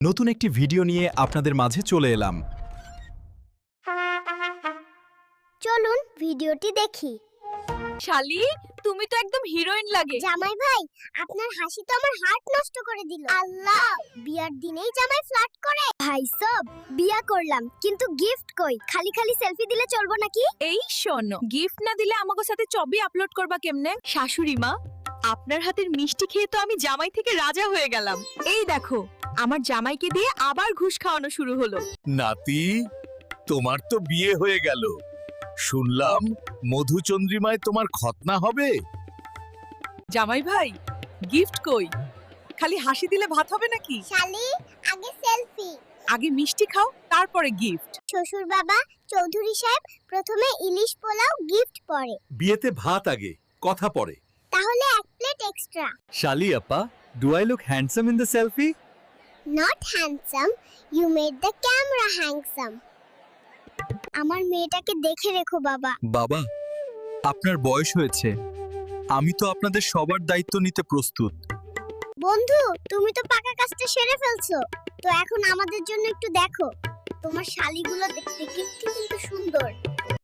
নতুন একটি ভিডিও নিয়ে আপনাদের মাঝে চলে এলাম। চলুন ভিডিওটি দেখি। শালি, তুমি তো একদম হিরোইন লাগে। জামাই ভাই, আপনার হাসি তো আমার হার্ট নষ্ট করে দিল। আল্লাহ, বিয়ার দিনেই জামাই ফ্লার্ট করে। ভাই সব বিয়া করলাম, কিন্তু গিফট কই? খালি খালি সেলফি দিলে চলবো নাকি? এই শোনো, গিফট না দিলে আমাকে সাথে ছবি আপলোড করবা কেমনে? শাশুড়ি মা, আপনার হাতের মিষ্টি খেয়ে তো আমি জামাই থেকে রাজা হয়ে গেলাম। এই দেখো, আমার জামাইকে দিয়ে আবার ঘুষ খাওয়ানো শুরু হলো। নাতি, তোমার তো বিয়ে হয়ে গেল। শুনলাম মধুচন্দ্রিমায় তোমার খতনা হবে। জামাই ভাই, গিফট কই? খালি হাসি দিলে ভাত হবে নাকি? শালি, আগে সেলফি। আগে মিষ্টি খাও, তারপরে গিফট। শ্বশুর বাবা, চৌধুরী সাহেব, প্রথমে ইলিশ পোলাও, গিফট পরে। বিয়েতে ভাত আগে, কথা পরে। তাহলে এক প্লেট এক্সট্রা। শালি আপা, do I look handsome in the selfie? Not handsome, you made the camera handsome. আমার মেয়েটাকে দেখে রেখো বাবা। বাবা, আপনার বয়স হয়েছে, আমি তো আপনাদের সবার দায়িত্ব নিতে প্রস্তুত। বন্ধু, তুমি তো পাকা কাজটা সেরে ফেলছো, তো এখন আমাদের জন্য একটু দেখো। তোমার শালিগুলো দেখতে কিন্তু সুন্দর।